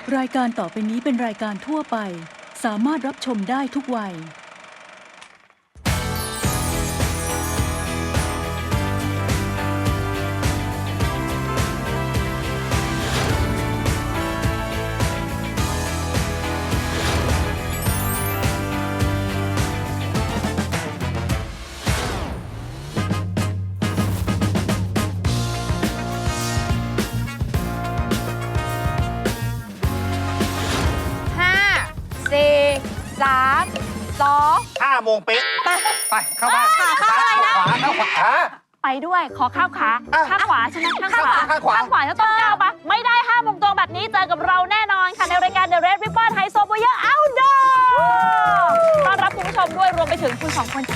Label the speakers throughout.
Speaker 1: รายการต่อไปนี้เป็นรายการทั่วไปสามารถรับชมได้ทุกวัย
Speaker 2: 5 โมงเป๊ะไปเข้าบ้านเข้าอะไรนะเข้าขวา
Speaker 3: ไปด้วยขอข้าวขาข้างขวาใช่ไหมข้างขวา
Speaker 2: ข้างขวา
Speaker 3: แล้วต้องก้าวปะไม่ได้5 โมงตรงแบบนี้เจอกับเราแน่นอนค่ะในรายการ The Red Ribbon High Warrior Outdoor ต้อนรับคุณผู้ชมด้วยรวมไปถึงคุณ2 คน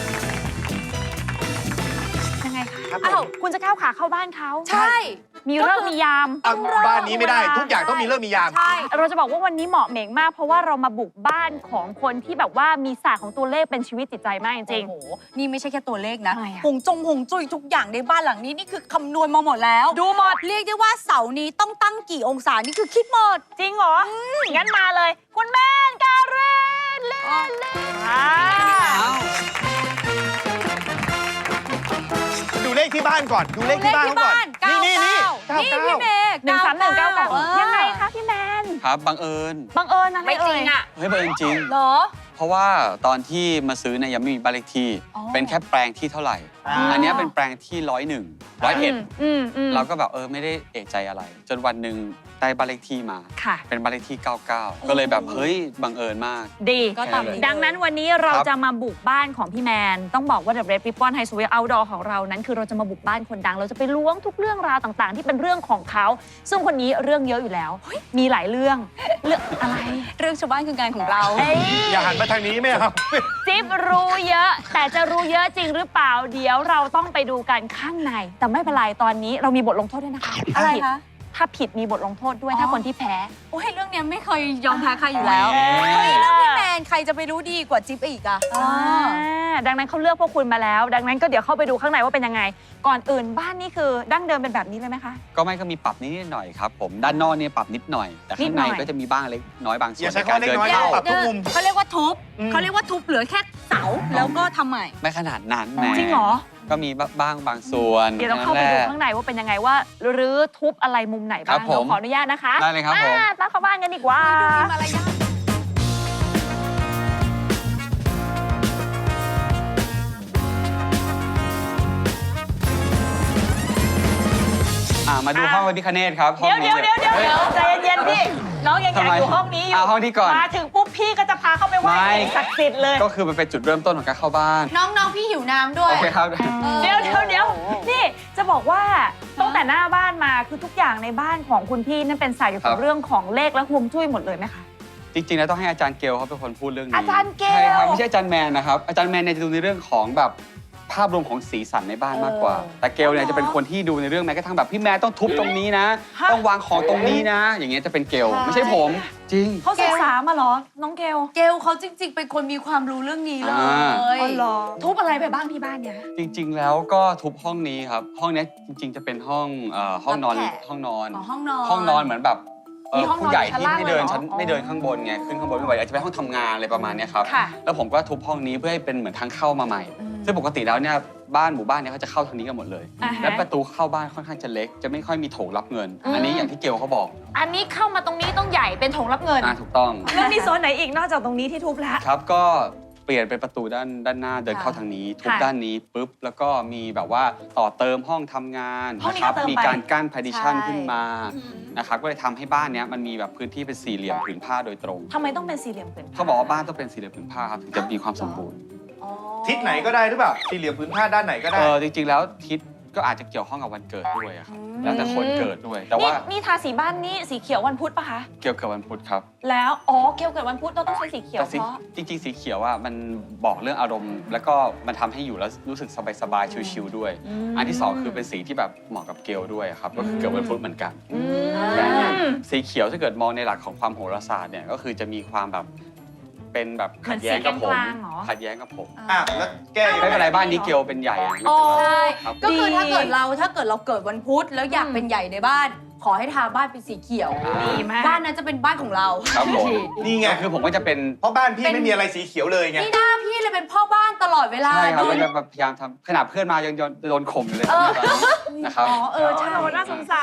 Speaker 3: ยังไงคะอ้าวคุณจะก้าวขาเข้าบ้านเขา
Speaker 2: ใช่
Speaker 3: มีเรื่องมียาม
Speaker 2: บ้านนี้ไม่ได้ทุกอย่างต้องมีเรื่องมียาม
Speaker 3: ใช่เราจะบอกว่าวันนี้เหมาะเหม่งมากเพราะว่าเรามาบุกบ้านของคนที่แบบว่ามีศาสตร์ของตัวเลขเป็นชีวิตจิตใจมากจริง
Speaker 4: โอ้โหนี่ไม่ใช่แค่ตัวเลขนะ
Speaker 3: ทำไมอะ
Speaker 4: หงจุ้ยทุกอย่างในบ้านหลังนี้นี่คือคำนวณมาหมดแล้ว
Speaker 3: ดูหมด
Speaker 4: เรียกได้ว่าเสานี้ต้องตั้งกี่องศานี่คือคิดหมด
Speaker 3: จริงเหรองั้นมาเลย คุณแม่นการินเล่
Speaker 2: ดูเลขที่บ้านก่อนดูเลขที่บ้านเขาก่อนนี่
Speaker 4: นี่พี่เมย์
Speaker 3: 13199ยังไงคะพี่แมน
Speaker 5: ครับบังเอิญ
Speaker 3: อะไร
Speaker 4: ไม่จริงอ่ะ
Speaker 5: เฮ้ยบังเอิญจริง
Speaker 4: เหรอ
Speaker 5: เพราะว่าตอนที่มาซื้อเนี่ยยังไม่มีบ้านเลขที่
Speaker 4: อ๋อ
Speaker 5: เป็นแค่แปลงที่เท่าไหร่ อันเนี้ยเป็นแปลงที่101เราก็แบบไม่ได้เอะใจอะไร จนวันหนึ่งได้บ้านเลขที่มา
Speaker 3: ค่ะ
Speaker 5: เป็นบ้านเลขที่ 99 ก็เลยแบบเฮ้ยบังเอิญมาก
Speaker 3: ดี
Speaker 4: ก็ตามนี้
Speaker 3: ดังนั้นวันนี้เราจะมาบุกบ้านของพี่แมนต้องบอกว่า The Red Ribbon High Warrior Outdoor ของเรานั้นคือเราจะมาบุกบ้านคนดังเราจะไปล้วงทุกเรื่องราวต่างๆ ที่เป็นเรื่องของเขาซึ่งคนนี้เรื่องเยอะอยู่แล้วมีหลายเรื่องอะไร
Speaker 4: เรื่องชาวบ้านคืองานของเรา
Speaker 2: อย่าหันมาทางนี้ไม่เอา
Speaker 3: จิ๊บรู้เยอะแต่จะรู้เยอะจริงหรือเปล่าเดี๋ยวเราต้องไปดูกันข้างในแต่ไม่เป็นไรตอนนี้เรามีบทลงโทษด้วยนะคะ
Speaker 4: อะไรคะ
Speaker 3: ถ้าผิดมีบทลงโทษด้วยถ้าคนที่แพ้
Speaker 4: โอ้ยเรื่องเนี้ยไม่เคยยอมแพ้ใครอยู่แล้ว
Speaker 5: เฮ้ย
Speaker 4: เรื่องพี่แมนใครจะไปรู้ดีกว่าจิ๊บอีกอ่ะ
Speaker 3: ดังนั้นเขาเลือกพวกคุณมาแล้ว ดังนั้นก็เดี๋ยวเข้าไปดูข้างในว่าเป็นยังไง ก่อนอื่นบ้านนี่คือดั้งเดิมเป็นแบบนี้เลยไหมคะ
Speaker 5: ก็ไม่ก็มีปรับนิดหน่อยครับผมด้านนอกเนี่ยปรับนิดหน่อย แต่ข้างในก็จะมีบ้างเล็กน้อยบางส่วน
Speaker 2: อย่าใช้
Speaker 5: ในการ
Speaker 2: คำว่าเล็ก
Speaker 5: เดิน
Speaker 2: น้อย
Speaker 5: เข้า
Speaker 2: ปรับทุกมุม
Speaker 4: เขาเรียกว่าทุบเขาเรียกว่าทุบเหลือแค่เสาแล้วก็ทำใหม่
Speaker 5: ไม่ขนาดนั้นแหม
Speaker 3: จริงเหรอ
Speaker 5: ก็มีบ้างบางส่วน
Speaker 3: เดี๋ยวต้องเข้าไปดูข้างในว่าเป็นยังไงว่ารื้อทุบอะไรมุมไหน
Speaker 5: ครั
Speaker 3: บ้าง
Speaker 5: บผม
Speaker 3: เราขออนุญาตนะคะ
Speaker 5: ได้เลยครับผม
Speaker 3: ตามเข้าบ้านกันดีกว่า
Speaker 4: ดูมีมารยาท
Speaker 5: มาดูห้องพระพิฆเนศครับห้อง
Speaker 3: เดี๋ยว
Speaker 5: นี้
Speaker 3: ใจเย็นๆพี่น้องยังอยากอยู่ห้องนี้อยู่
Speaker 5: ห้องนี้ก่อน
Speaker 3: มาถึงปุ๊บพี่ก็จะพาเข้าไปไหว้
Speaker 5: ไม่
Speaker 3: สิ่งศักดิ์สิทธิ์เลย
Speaker 5: ก็คือมันเป็นจุดเริ่มต้นของการเข้าบ้าน
Speaker 4: น้องๆพี่หิวน้ำด้วย
Speaker 5: โอเคครับ
Speaker 3: เดี๋ยวนี่จะบอกว่าตั้งแต่หน้าบ้านมาคือทุกอย่างในบ้านของคุณพี่นั่นเป็นสายเกี่ยวกับ
Speaker 5: ครับ
Speaker 3: เรื่องของเลขและฮวงจุ้ยหมดเลยไหมคะ
Speaker 5: จริงๆแล้วต้องให้อาจารย์เกลเขาเป็นคนพูดเรื่องนี้
Speaker 3: อาจารย์เกล
Speaker 5: ใช่ครับไม่ใช่อาจารย์แมนนะครับอาจารย์แมนเนี่ยจะดูในเรื่องของแบบภาพรวมของสีสันในบ้านมากกว่า แต่เกลเนี่ยจะเป็นคนที่ดูในเรื่องแม้กระทั่งแบบพี่แมนต้องทุบตรงนี้นะ ต้องวางของตรงนี้นะ อย่างเงี้ยจะเป็นเกลไม่ใช่ผมจริง
Speaker 3: เขาศึกษามาเหรอน้องเกล
Speaker 4: เกลเขาจริงๆ เป็นคนมีความรู้เรื่องนี้เลย
Speaker 3: อ๋อเหรอทุบอะไรไปบ้างที่บ้านเนี่ย
Speaker 5: จริงๆ แล้วก็ทุบห้องนี้ครับห้องเนี้ยจริงๆ จะเป็นห้องนอน
Speaker 4: รับแขก
Speaker 5: ห้องนอน
Speaker 4: ห้องนอน
Speaker 5: ห้องนอนเหมือนแบบ
Speaker 3: มีห้องนอน
Speaker 5: ผู้ใหญ่
Speaker 3: ชั้น
Speaker 5: ที่
Speaker 3: ล่าง
Speaker 5: ไม่เดิน
Speaker 3: เลยเหรอ
Speaker 5: ชั้นไม่เดินข้างบนไงขึ้นข้างบนไม่ไหวอาจจะเป็นห้องทำงานอะไรประมาณเนี้ยครับ
Speaker 3: ค่ะ
Speaker 5: แล้วผมก็ทุบห้องนี้เพื่อให้เป็นเหมือนทางเข้ามาใหม่ ซึ่งปกติแล้วเนี่ยบ้านหมู่บ้านเนี่ยเขาจะเข้าทางนี้กันหมดเลย
Speaker 3: อ่าฮะ
Speaker 5: และประตูเข้าบ้านค่อนข้างจะเล็ก จะไม่ค่อยมีโถงรับเงิน อันนี้อย่างที่เกลเขาบอก
Speaker 3: อันนี้เข้ามาตรงนี้ต้องใหญ่เป็นโถงรับเงิน
Speaker 5: ถูกต้อง
Speaker 3: แล้วมีโซนไหนอีกนอกจากตรงนี้ที่ทุบแล้ว
Speaker 5: ครับก็เปลี่ยนเป็นประตูด้านหน้าเดินเข้าทางนี้ทุบ
Speaker 3: ค่ะ
Speaker 5: ด้านนี้ปุ๊บแล้วก็มีแบบว่าต่อเติมห้องทำงาน
Speaker 3: ห้องนี้
Speaker 5: นะครับ
Speaker 3: ก็เติม
Speaker 5: มี
Speaker 3: ไป
Speaker 5: การกั้น partition
Speaker 4: ใช่
Speaker 5: ขึ้นมานะครับก็เลยทำให้บ้านเนี้ยมันมีแบบพื้นที่เป็นสี่เหลี่ยมผืนผ้าโดยตรง
Speaker 3: ทำไมต้องเป็นสี่เหลี่ยมผืนผ้
Speaker 5: เขาบอกว่าบ้านต้องเป็นสี่เหลี่ยมผืนผ้าครับถึงจะมีความสมบูรณ์
Speaker 2: ทิศไหนก็ได้หรือเปล่าสี่เหลี่ยมพื้นผ้าด้านไหนก็ได้
Speaker 5: จริงๆแล้วทิศก็อาจจะเกี่ยวข้องกับวันเกิดด้วยอะครับแล้วแต่คนเกิดด้วย แต่ว่า
Speaker 3: นี่ทาสีบ้านนี่สีเขียววันพุธปะคะ
Speaker 5: เกี่ยวกับวันพุธครับ
Speaker 3: แล้วเกี่ยวกับวันพุธเราต้องใช้สีเขียว
Speaker 5: แต่
Speaker 3: เพราะ
Speaker 5: จริงๆสีเขียวอ่ะมันบอกเรื่องอารมณ์ แล้วก็มันทำให้อยู่แล้วรู้สึกสบายๆชิลๆด้วย อันที่สองคือเป็นสีที่แบบเหมาะกับเกลด้วยอะครับก็คือเกิดวันพุธเหมือนกัน สีเขียวถ้าเกิดมองในหลักของความโหราศาสตร์เนี่ยก็คือจะมีความแบบเป็นแบบขัดแย้งกับผม
Speaker 3: เหมือนสีกลางๆเหรอ
Speaker 5: ขัดแย้งกับผม
Speaker 2: แล้วแก้ยัง
Speaker 5: ไม่
Speaker 2: ไง
Speaker 5: เป็นไรบ้านนี้เกลเป็นใหญ่อะไม่เป็นไร
Speaker 4: ใช่
Speaker 5: ครับ
Speaker 4: ก็คือถ้าเกิดเราเกิดวันพุธแล้วอยากเป็นใหญ่ในบ้านขอให้ทาบ้านเป็นสีเขียว
Speaker 3: ดีมาก
Speaker 4: บ้านนั้นจะเป็นบ้านของเรา
Speaker 5: ครับผม
Speaker 2: นี่ไง
Speaker 5: คือผมก็จะเป็น
Speaker 2: เพราะบ้านพี่ไม่มีอะไรสีเขียวเลยไง
Speaker 4: นี่หน้าพี่เลยเป็นพ่อบ้านตลอดเวลา
Speaker 5: ใช่ครับ
Speaker 4: ดู
Speaker 5: ก็จะพยายามทำขนาดเพื่อนมายังโดนข่มอยู่เลยนะครับ
Speaker 4: อ๋อใช่
Speaker 3: น่าสงสาร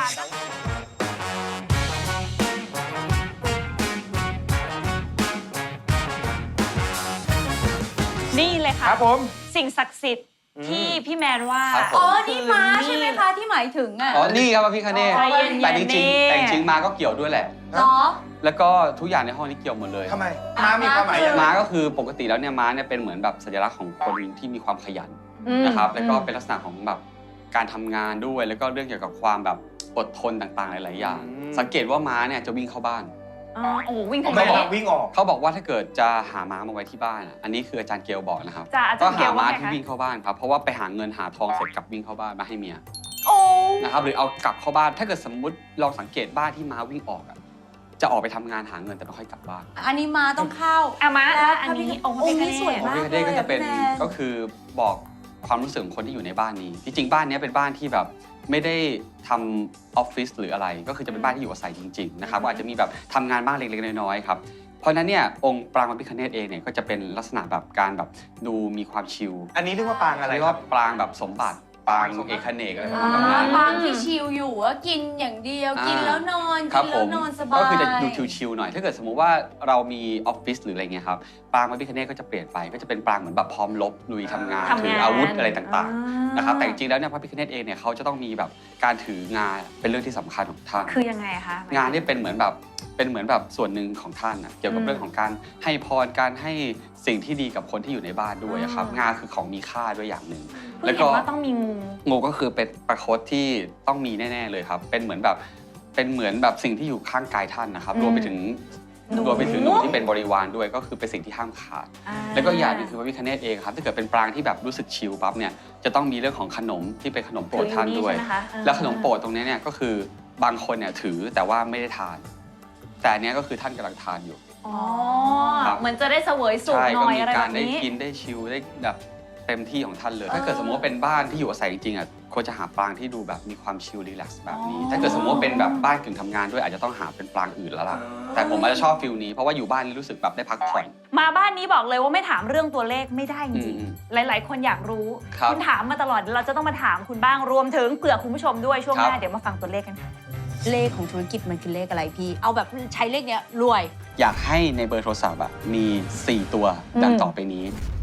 Speaker 3: นี่เลยค่ะ
Speaker 2: ครับผม
Speaker 3: สิ่งศักดิ์สิทธิ์ที่พี่แมนว่า
Speaker 5: ครับผม
Speaker 4: อ๋อนี่ม้าใช่ไหมคะที่หมายถึงอ่ะ
Speaker 5: อ๋อนี่ครับพระพิฆเนศ
Speaker 3: ใจเย็นๆ
Speaker 5: แต่จริง
Speaker 3: นี่
Speaker 5: ๆแต่จริงๆมาก็เกี่ยวด้วยแหละ
Speaker 4: เหรอ
Speaker 5: แล้วก็ทุกอย่างในห้องนี้เกี่ยวหมดเลย
Speaker 2: ทำไมม้ามีความหมายยังไง
Speaker 5: ม้าก็คือปกติแล้วเนี่ยม้าเนี่ยเป็นเหมือนแบบสัญลักษณ์ของคนที่มีความขยันนะครับแล้วก็เป็นลักษณะของแบบการทำงานด้วยแล้วก็เรื่องเกี่ยวกับความแบบอดทนต่างๆหลายๆอย่าง สังเกตว่าม้าเนี่ยจะวิ่งเข้าบ้าน
Speaker 3: อ๋อโอ้โหวิ่ง
Speaker 2: ผม
Speaker 3: ทาง
Speaker 2: ไม่
Speaker 3: ไหน
Speaker 2: บอกวิ่งออก
Speaker 5: เขาบอกว่าถ้าเกิดจะหาม้ามาไว้ที่บ้านอันนี้คืออาจารย์เกลบอกนะครับ
Speaker 3: จ้ะอาจา
Speaker 5: ก็
Speaker 3: รย์เก
Speaker 5: หา
Speaker 3: ล
Speaker 5: ม้า
Speaker 3: ว่าไง
Speaker 5: ที่
Speaker 3: คะ
Speaker 5: วิ่งเข้าบ้านครับเพราะว่าไปหาเงินหาทองเสร็จกลับวิ่งเข้าบ้านมาให้เมีย
Speaker 3: โอ้
Speaker 5: นะครับหรือเอากลับเข้าบ้านถ้าเกิดสมมุติลองสังเกตบ้านที่ม้าวิ่งออกอะจะออกไปทำงานหาเงินแต่ไม่ค่อยกลับบ้าน
Speaker 4: อันนี้ม้าต้องเข้า
Speaker 3: อามา
Speaker 4: แล้ว
Speaker 3: อันนี้องค์
Speaker 4: องค์นี้
Speaker 3: พระพิฆเนศ
Speaker 4: สวย
Speaker 5: พระ
Speaker 4: มาก
Speaker 5: พิฆเนศก็จะเป็น
Speaker 4: เลยอะพี่แมน
Speaker 5: ก็คือบอกความรู้สึกของคนที่อยู่ในบ้านนี้จริงๆบ้านนี้เป็นบ้านที่แบบไม่ได้ทำออฟฟิศหรืออะไรก็คือจะเป็นบ้านที่อยู่อาศัยจริงๆนะครับก็อาจจะมีแบบทำงานบ้างเล็กๆน้อยๆครับเพราะฉะนั้นเนี่ยองค์ปรางพระพิฆเนศเองเนี่ยก็จะเป็นลักษณะแบบการแบบดูมีความชิล
Speaker 2: อันนี้เรียกว่าปางอะไร
Speaker 5: เรียก
Speaker 2: ครั
Speaker 5: ว่า
Speaker 2: บ
Speaker 5: ปรางแบบสมบัติปรางเอกเนกอะไรประมาณ
Speaker 4: อ่า
Speaker 5: นั้น
Speaker 4: บางที่ชิลอยู่ก็กินอย่างเดียวกินแล้วนอน
Speaker 5: ครั
Speaker 4: กิ
Speaker 5: บ
Speaker 4: น
Speaker 5: ผ
Speaker 4: แล้ว
Speaker 5: ม
Speaker 4: นอนสบาย
Speaker 5: ก็คือจะดูชิลๆหน่อย ถ้าเกิดสมมุติว่าเรามีออฟฟิศหรืออะไรเงี้ยครับปรางพระพิฆเนศก็จะเปลี่ยนไปก็จะเป็นปรางเหมือนแบบพร้อมรบลุยทำงาน
Speaker 3: ทำงาน
Speaker 5: ถืออาวุธอะไรต่างๆนะครับแต่จริงๆแล้วเนี่ยพระพิฆเนศเองเนี่ยเขาจะต้องมีแบบการถืองานเป็นเรื่องที่สำคัญของท่าน
Speaker 3: คือยังไงคะ
Speaker 5: งานนี่เป็นเหมือนแบบส่วนหนึ่งของท่านนะเกี่ยวกับเรื่องของการให้พรการให้สิ่งที่ดีกับคนที่อยู่ในบ้านด้วยอะครับงานคือของมีค่าด้วยอย่างหนึ่ง
Speaker 3: เพิ่งเห็นว่าต้องมีงู
Speaker 5: งูก็คือเป็นประคตที่ต้องมีแน่ๆเลยครับเป็นเหมือนแบบสิ่งที่อยู่ข้างกายท่านนะครับรวมไปถึงหนูที่เป็นบริวารด้วยก็คือเป็นสิ่งที่ห้ามขาด แล้วก็อย่างหนึงคือพระพิฆเนศเองครับถ้าเกิดเป็นปรางที่แบบรู้สึกชิลปั๊บเนี่ยจะต้องมีเรื่องของขนมที่เป็นขนมโปรดท่านด้วย
Speaker 3: ใช่ไหมคะ
Speaker 5: แล้วขนมโปรดตรงนี้เนี่ยก็คือบางคนเนี่ยถือแต่ว่าไม่ได้ทาน แต่อันเนี้ยก็คือท่านกำลังทานอยู่
Speaker 3: อ๋อ
Speaker 5: ครับ
Speaker 3: เหมือนจะได้เสวยสุข
Speaker 5: ใช่
Speaker 3: หน่
Speaker 5: ก็
Speaker 3: อย
Speaker 5: มี
Speaker 3: อะไร
Speaker 5: กา
Speaker 3: แบ
Speaker 5: ร
Speaker 3: บ
Speaker 5: ได้
Speaker 3: นี้
Speaker 5: กินได้ชิลได้แบบเต็มที่ของท่านเลย ถ้าเกิดสมมติว่าเป็นบ้านที่อยู่อาศัยจริงๆอ่ะควรจะหาปรางที่ดูแบบมีความชิลรีแลกซ์แบบนี้ ถ้าเกิดสมมติว่าเป็นแบบบ้านกึ่งทำงานด้วยอาจจะต้องหาเป็นปรางอื่นแล้วล่ะ แต่ผมอาจจะชอบฟิลนี้เพราะว่าอยู่บ้านรู้สึกแบบได้พักผ่อน
Speaker 3: มาบ้านนี้บอกเลยว่าไม่ถามเรื่องตัวเลขไม่ได้จริง
Speaker 5: อืม
Speaker 3: ๆ หลาย ๆ คนอยากรู้
Speaker 5: ครับ
Speaker 3: ณถามมาตลอดเราจะต้องมาถามคุณบ้างรวมถึงเผื่อคุณผู้ชมด้วยช่วงห
Speaker 5: ครั
Speaker 3: น้า
Speaker 5: บ
Speaker 3: เดี๋ยวมาฟังตัวเลขกันค่ะ
Speaker 4: เลขของธุรกิจมันคือเลขอะไรพี่ เอาแบบใช้เลขเนี้ยรวย
Speaker 5: อยากให้ในเบอร์โทรศัพท์อะมี 4 ตัวดังต่อไปนี้